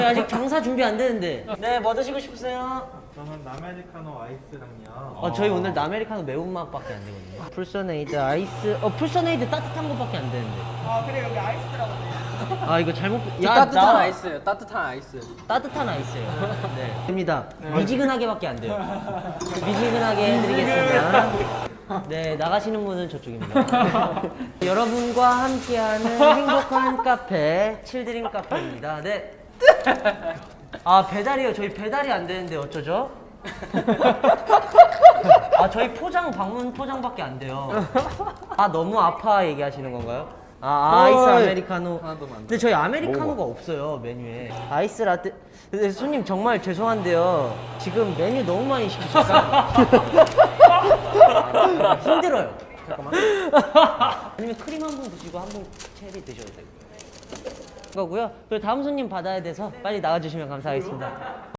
아직 장사 준비 안 되는데. 네, 뭐 드시고 싶으세요? 저는 아메리카노 아이스랑요. 저희 오늘 아메리카노 매운맛밖에 안 되거든요. 풀서네이드 아이스. 풀서네이드 따뜻한 것밖에 안 되는데. 아 그래 여기 아이스라고 돼. 아 이거 잘못. 따뜻한 아이스예요. 따뜻한 아이스. 따뜻한 아이스예요. 네. 됩니다. 미지근하게밖에 안 돼요. 미지근하게 해드리겠습니다. 네, 나가시는 분은 저쪽입니다. 여러분과 함께하는 행복한 카페, 칠드림 카페입니다. 네. 아, 배달이요. 저희 배달이 안 되는데 어쩌죠? 아, 저희 방문 포장밖에 안 돼요. 아, 너무 아파 얘기하시는 건가요? 아이스 아메리카노. 근데 저희 아메리카노가 없어요, 메뉴에. 아이스 라떼. 근데 손님 정말 죄송한데요. 지금 메뉴 너무 많이 시키셨어요. 힘들어요. 잠깐만. 아니면 크림 한 번 드시고 한 번 체리 드셔도 되고. 거고요. 그리고 다음 손님 받아야 돼서 빨리 나와주시면 감사하겠습니다.